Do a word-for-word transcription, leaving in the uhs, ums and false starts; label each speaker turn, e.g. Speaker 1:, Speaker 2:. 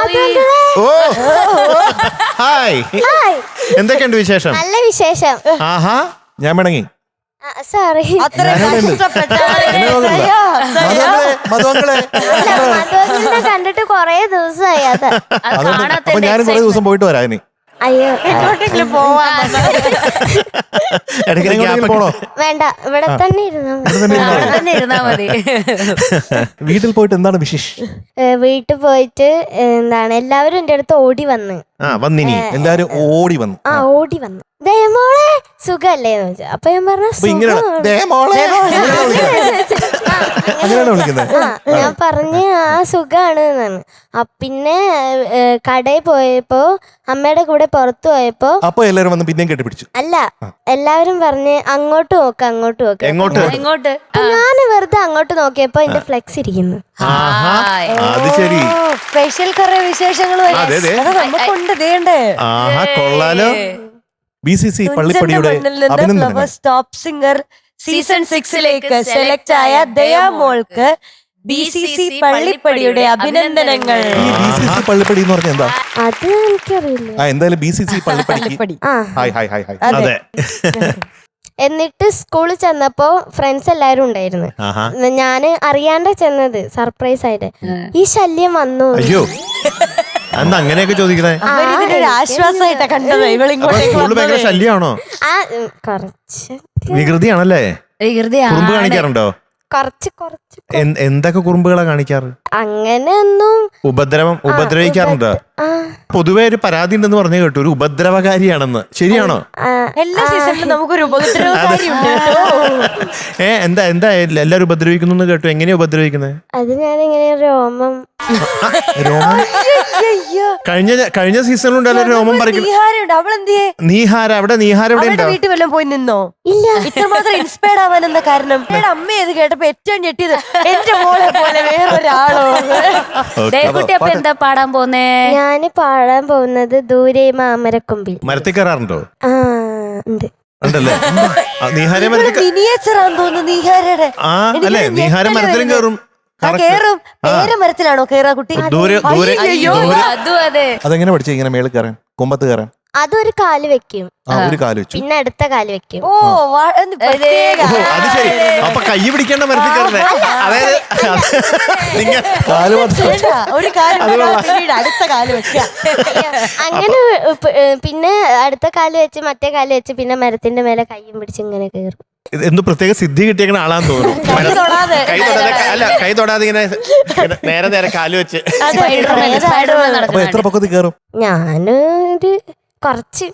Speaker 1: ഓ hi, എന്തൊക്കെയുണ്ട് വിശേഷം?
Speaker 2: നല്ല വിശേഷം.
Speaker 1: ആഹാ, ഞാൻ മടങ്ങി.
Speaker 2: സോറി, മധുവങ്കിളിനെ കണ്ടിട്ട് കൊറേ ദിവസമായി. അത്
Speaker 1: അപ്പൊ ഞാനും കുറെ ദിവസം പോയിട്ട് വരാം ഇനി.
Speaker 2: അയ്യോ
Speaker 1: പോണോ?
Speaker 2: വേണ്ട, ഇവിടെ തന്നെ ഇരുന്നാ മതി.
Speaker 1: വീട്ടിൽ പോയിട്ട് എന്താണ് വിശേഷം?
Speaker 2: വീട്ടിൽ പോയിട്ട് എന്താണ് എല്ലാവരും എന്റെ അടുത്ത് ഓടി വന്ന്
Speaker 1: ആ വന്നിനി എല്ലാരും ഓടി വന്നു.
Speaker 2: ആ ഓടി വന്നു ദേമോളെ സുഖല്ലേ എന്ന് ചോദിച്ചു. അപ്പൊ ഞാൻ പറഞ്ഞു ഞാൻ പറഞ്ഞ് ആ സുഖാണ് എന്നാണ്. പിന്നെ കടയിൽ പോയപ്പോ അമ്മയുടെ കൂടെ പുറത്തു പോയപ്പോ
Speaker 1: അപ്പൊ എല്ലാരും വന്ന് പിന്നെയും കെട്ടിപ്പിടിച്ചു.
Speaker 2: അല്ല, എല്ലാവരും പറഞ്ഞ് അങ്ങോട്ട് നോക്ക് അങ്ങോട്ട് നോക്ക്.
Speaker 3: എങ്ങോട്ട്?
Speaker 2: ഞാൻ വെറുതെ അങ്ങോട്ട് നോക്കിയപ്പോ എന്റെ ഫ്ലെക്സ് ഇരിക്കുന്നു.
Speaker 1: അത് ശരി,
Speaker 4: സ്പെഷ്യൽ കുറെ വിശേഷങ്ങൾ നമുക്കുണ്ട്. ദേണ്ടേ
Speaker 1: കൊള്ളാലോ. ബി സി സി പള്ളിപ്പടിയുടെ അഭിനന്ദനങ്ങൾ.
Speaker 4: ടോപ്പ് സിംഗർ സീസൺ സിക്സിലേക്ക് സെലക്ട് ആയ ദയാമോൾക്ക് ബി സി സി പള്ളിപ്പടിയുടെ അഭിനന്ദനങ്ങൾ.
Speaker 1: ഈ ബി സി സി പള്ളിപ്പടി എന്ന് പറഞ്ഞാൽ എന്താ?
Speaker 2: അത് എനിക്കറിയില്ല.
Speaker 1: ആ എന്തായാലും ബി സി സി പള്ളിപ്പടിക്ക് ഹായ് ഹായ് ഹായ് ഹായ്. അതെ.
Speaker 2: എന്നിട്ട് സ്കൂളിൽ ചെന്നപ്പോ ഫ്രണ്ട്സ് എല്ലാരും ഉണ്ടായിരുന്നു. ഞാന് അറിയാണ്ട ചെന്നത് സർപ്രൈസ് ആയിട്ട്. ഈ ശല്യം വന്നു.
Speaker 1: അയ്യോ, എന്താ അങ്ങനെയൊക്കെ ചോദിക്കണേ?
Speaker 4: ആശ്വാസമായിട്ടാ കണ്ടത്.
Speaker 1: സ്കൂളിൽ ഭയങ്കര ശല്യമാണോ?
Speaker 2: ആ കുറച്ച്
Speaker 1: വികൃതിയാണല്ലേ? കുറുമ്പ് കാണിക്കാറുണ്ടോ?
Speaker 2: കുറച്ച് കുറച്ച്
Speaker 1: എന്തൊക്കെ കുറുമ്പുകളാ കാണിക്കാറ്?
Speaker 2: അങ്ങനെയൊന്നും
Speaker 1: ഉപദ്രവം ഉപദ്രവിക്കാറുണ്ടോ? പൊതുവെ ഒരു പരാതി ഉണ്ടെന്ന് പറഞ്ഞു കേട്ടു, ഒരു ഉപദ്രവകാരിയാണെന്ന്. ശരിയാണോ?
Speaker 4: എല്ലാ സീസണിലും നമുക്കൊരു ഉപദ്രവകാരിയുണ്ട്.
Speaker 1: ഏ എന്താ എന്താ എല്ലാരും ഉപദ്രവിക്കുന്നു കേട്ടു. എങ്ങനെയാ ഉപദ്രവിക്കുന്നത്?
Speaker 2: അത് ഞാനിങ്ങനെ രോമം
Speaker 1: രോമം കഴിഞ്ഞ കഴിഞ്ഞ സീസണിലുണ്ടല്ലോ രോമം പറിക്കുന്നത്. നീഹാര അവിടെ നീഹാര എവിടെ ഉണ്ടോ?
Speaker 4: വീട്ടിൽ വല്ലതും പോയി നിന്നോ?
Speaker 2: ഇല്ല.
Speaker 4: ഇത്രമാത്രം ഇൻസ്പയർഡ് ആവാൻ എന്താ കാരണം? അമ്മ ഇത് കേട്ടപ്പോ ഏറ്റവും ഞെട്ടിയത് എന്റെ മോളെ പോലെ വേറൊരാളോ.
Speaker 3: അപ്പൊ എന്താ പാടാൻ പോന്നേ?
Speaker 2: ഞാന് പാടാൻ പോകുന്നത് ദൂരെ മാമരക്കൊമ്പിൽ.
Speaker 1: മരത്തിൽ കയറാറുണ്ടോ?
Speaker 2: ആ ഉണ്ട്.
Speaker 1: ഉണ്ടല്ലേ? നീഹാര
Speaker 4: മിനിയേച്ചറാന്ന് തോന്നുന്നു നീഹാരയുടെ.
Speaker 1: ആ അല്ലേ, നീഹാര മരത്തിലും കയറും.
Speaker 4: കേറും. പേര മരത്തിലാണോ കേറാ കുട്ടി?
Speaker 1: ദൂരെ ദൂരെ
Speaker 3: അതെങ്ങനെ
Speaker 1: പഠിച്ചു ഇങ്ങനെ മേളിൽ കയറാൻ, കൊമ്പത്ത് കയറാൻ?
Speaker 2: അതൊരു കാല് വെക്കും,
Speaker 1: ഒരു കാല് വെച്ചു,
Speaker 2: പിന്നെ അടുത്ത കാല് വെക്കും.
Speaker 4: ഓ
Speaker 1: അത് ശരി. അപ്പൊ കൈ പിടിക്കേണ്ട മരത്തിൽ കയറണേ. അതായത്
Speaker 4: ഒരു കാല് അടുത്ത കാല് വെക്കുക.
Speaker 2: അങ്ങനെ പിന്നെ അടുത്ത കാല് വെച്ച് മറ്റേ കാല് വെച്ച് പിന്നെ മരത്തിന്റെ മേലെ കൈയും പിടിച്ച് ഇങ്ങനെ കയറും.
Speaker 1: എന്ത് പ്രത്യേക സിദ്ധി കിട്ടിയേക്കണ ആളാന്ന് തോന്നുന്നു. കൈ തൊടാതെ അല്ല, കൈ തൊടാതെ ഇങ്ങനെ നേരെ നേരെ കാല് വെച്ച്. അപ്പൊ എത്ര പൊക്കത്തിൽ കയറും?
Speaker 2: ഞാനൊരു കുറച്ച്